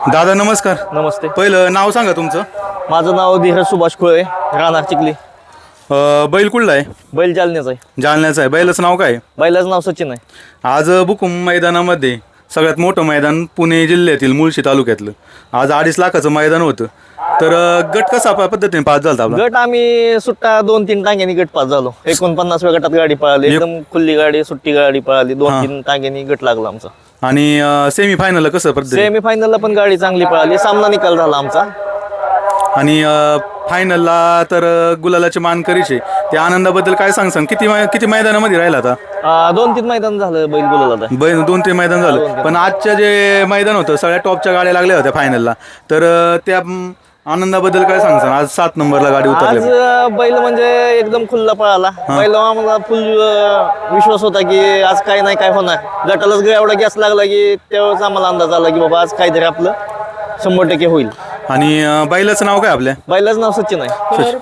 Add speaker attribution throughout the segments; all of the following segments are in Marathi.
Speaker 1: दादा नमस्कार.
Speaker 2: नमस्ते.
Speaker 1: पहिलं नाव सांगा तुमचं.
Speaker 2: माझं नाव धीरज सुभाष खोळे, राहणार चिखली.
Speaker 1: बैल कुठला आहे?
Speaker 2: बैल जालन्याचा आहे.
Speaker 1: जालन्याचं आहे. बैलाचं नाव काय?
Speaker 2: बैलाचं नाव सचिन आहे.
Speaker 1: आज बुकुम मैदानामध्ये सगळ्यात मोठं मैदान पुणे जिल्ह्यातील मुळशी तालुक्यातलं आज 2.5 लाखाचं मैदान होतं. तर गट कसा पद्धतीने पास झाला आपला?
Speaker 2: गट आम्ही सुट्टा 2-3 टांग्यांनी गट पास झालो. 49व्या गटात गाडी पळाली, एकदम खुल्ली गाडी, सुट्टी गाडी पळाली. 2-3 टांग्यांनी गट लागला आमचा.
Speaker 1: आणि सेमी फायनल कसं पद्धती?
Speaker 2: सेमी फायनलला पण गाडी चांगली पळाली. सामना निकाल झाला आमचा.
Speaker 1: आणि फायनलला तर गुलालाचे मानकरीचे त्या आनंदाबद्दल काय सांग किती मैदानामध्ये राहिला आता?
Speaker 2: 2-3 मैदान झालं बैल बोलायला.
Speaker 1: बैल 2-3 मैदान झालं. पण आजच्या जे मैदान होतं सगळ्या टॉपच्या गाड्या लागल्या होत्या फायनलला. तर त्या आनंदाबद्दल काय सांगसान? आज 7 नंबरला गाडी उतरली.
Speaker 2: आज बैल म्हणजे एकदम खुल्ला पळाला. बैल आम्हाला फुल विश्वास होता की आज काय नाही काय होणार. गटालाच एवढा गॅस लागला की तेव्हाच आम्हाला अंदाज आला की बाबा आज काहीतरी आपलं 100% होईल.
Speaker 1: आणि बैलाचं नाव काय आपल्या?
Speaker 2: बैलाचं नाव सचिन आहे.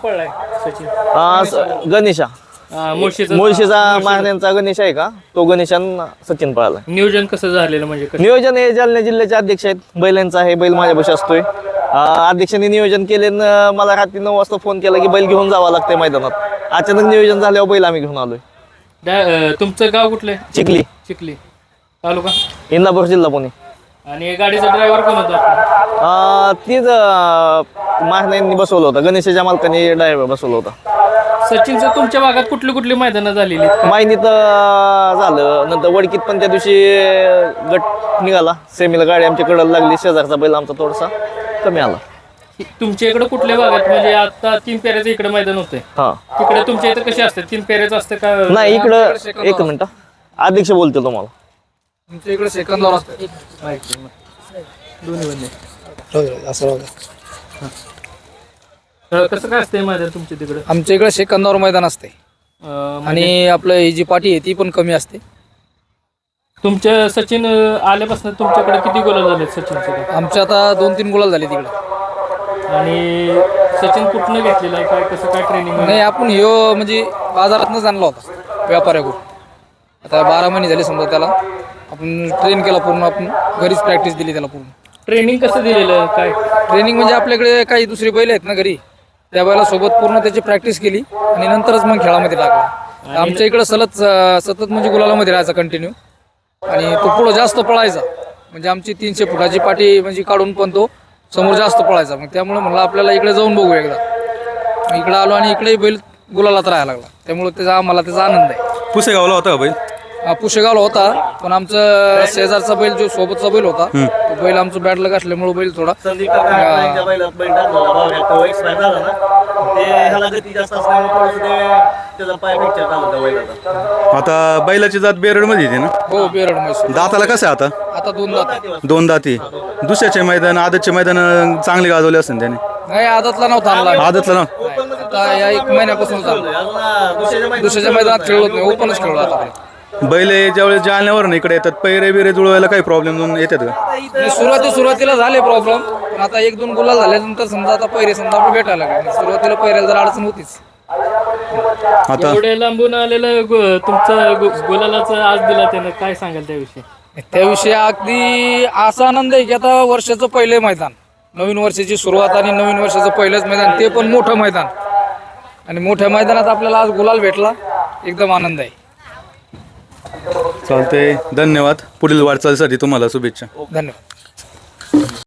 Speaker 2: गणेशा मुळशीचा महाराजांचा गणेश आहे का, तो गणेशान सचिन पळाला.
Speaker 3: नियोजन कसं झालेलं म्हणजे
Speaker 2: नियोजन हे जालना जिल्ह्याचे अध्यक्ष आहेत. बैलांचा आहे. बैल माझ्यापाशी असतोय. अध्यक्षांनी नियोजन केले. मला रात्री 9 वाजता फोन केला की बैल घेऊन जावं लागतंय मैदानात. अचानक नियोजन झाल्यावर बैल आम्ही घेऊन आलोय.
Speaker 3: तुमचं गाव कुठलं?
Speaker 2: चिखली.
Speaker 3: चिखली तालुका
Speaker 2: इंदापूर जिल्हा पुणे.
Speaker 3: आणि गाडीचा ड्रायव्हर कोण होता?
Speaker 2: तीच महाराजांनी बसवलं होतं. गणेशाच्या मालकाने ड्रायव्हर बसवलं होता.
Speaker 3: सचिनचं तुमच्या भागात कुठली मैदानं झालेली?
Speaker 2: मायनीत झालं, नंतर वडकीत पण त्या दिवशी गट निघाला. सेमीला गाडी आमच्या कडला लागली. शेजारचा बैल आमचा थोडासा कमी आला.
Speaker 3: तुमच्या इकडे कुठल्या भागात म्हणजे आता 3 फेऱ्याचं इकडे मैदान होतंय,
Speaker 2: हा
Speaker 3: तिकडे तुमच्या इथं कसे असतात? 3 फेऱ्याचं असतं का?
Speaker 2: नाही, इकडं 1 मिनिट अध्यक्ष बोलतो तुम्हाला.
Speaker 4: तुमच्या इकडे सेकंदावर असतं
Speaker 3: दोन्ही बंदे.
Speaker 4: असं
Speaker 3: कसं काय असतंय मैदान तुमच्या तिकडे?
Speaker 4: आमच्या इकडे सेकंदावर मैदान असते. आणि आपलं ही जी पाठी आहे ती पण कमी असते.
Speaker 3: तुमच्या सचिन आल्यापासून तुमच्याकडे किती गोल झाले सचिनचे?
Speaker 4: आमच्या आता 2-3 गुलाल झाले तिकडे.
Speaker 3: आणि सचिन कुठनं घेतलेलं आहे, काय कसं काय ट्रेनिंग?
Speaker 4: नाही, आपण ह्यो म्हणजे बाजारातनंच आणला होता व्यापाऱ्याकडून. आता 12 महिने झाले समजा त्याला. आपण ट्रेन केला पूर्ण. आपण घरीच प्रॅक्टिस दिली त्याला पूर्ण.
Speaker 3: ट्रेनिंग कसं दिलेलं काय?
Speaker 4: ट्रेनिंग म्हणजे आपल्याकडे काही दुसरी बैल आहेत ना घरी, त्या बैला सोबत पूर्ण त्याची प्रॅक्टिस केली आणि नंतरच मग खेळामध्ये टाकला. आमच्या इकडं सतत म्हणजे गुलालामध्ये राहायचा कंटिन्यू. आणि तो पुढं जास्त पळायचा. म्हणजे आमची 300 फुटाची पाठी म्हणजे काढून पण तो समोर जास्त पळायचा. मग त्यामुळे म्हणलं आपल्याला इकडे जाऊन बघू एकदा. इकडे आलो आणि इकडेही बैल गुलालात राहायला लागला. त्यामुळे आम्हाला त्याचा आनंद आहे.
Speaker 1: पुसेगावला होता का बैल?
Speaker 4: पुशेगावला होता, पण आमचं शेजारचा बैल जो सोबतचा बैल होता तो बैल आमचं बॅट लग असल्यामुळे बैल थोडा
Speaker 1: आता बैलाची जात बेरड मध्ये येते ना?
Speaker 4: हो, बेरड म्हैसूर.
Speaker 1: दाताला कसं आहे आता?
Speaker 4: आता 2 दात.
Speaker 1: 2 दाती. दुसऱ्याचे मैदान आदतचे मैदान चांगले गाजवले असतील त्याने.
Speaker 4: नाही, आदतला नव्हता आणला.
Speaker 1: आदतला ना?
Speaker 4: आता या 1 महिन्यापासून दुसऱ्याच्या मैदानात खेळलो नाही, ओपनच खेळलो आता.
Speaker 1: बैल ज्यावेळेस जालन्यावर इकडे येतात पैरे बिरे जुळवायला काही प्रॉब्लेम येतात का?
Speaker 4: सुरुवातीला झाले प्रॉब्लेम, पण आता 1-2 गुलाल झाल्यानंतर समजा आता पैरे समजा आपण भेटायला लागले. सुरुवातीला पैऱ्याला जर अडचण होतीच.
Speaker 1: आता
Speaker 3: एवढे लांबून आलेलं तुमचं गुलालाचं आज दिला त्यानं, काय सांगाल त्याविषयी?
Speaker 4: त्याविषयी अगदी असा आनंद आहे की आता वर्षाचं पहिले मैदान, नवीन वर्षाची सुरुवात आणि नवीन वर्षाचं पहिलंच मैदान, ते पण मोठं मैदान. आणि मोठ्या मैदानात आपल्याला आज गुलाल भेटला, एकदम आनंद आहे.
Speaker 1: चालतंय, धन्यवाद. पुढील वाटचालीसाठी तुम्हाला शुभेच्छा.
Speaker 4: धन्यवाद.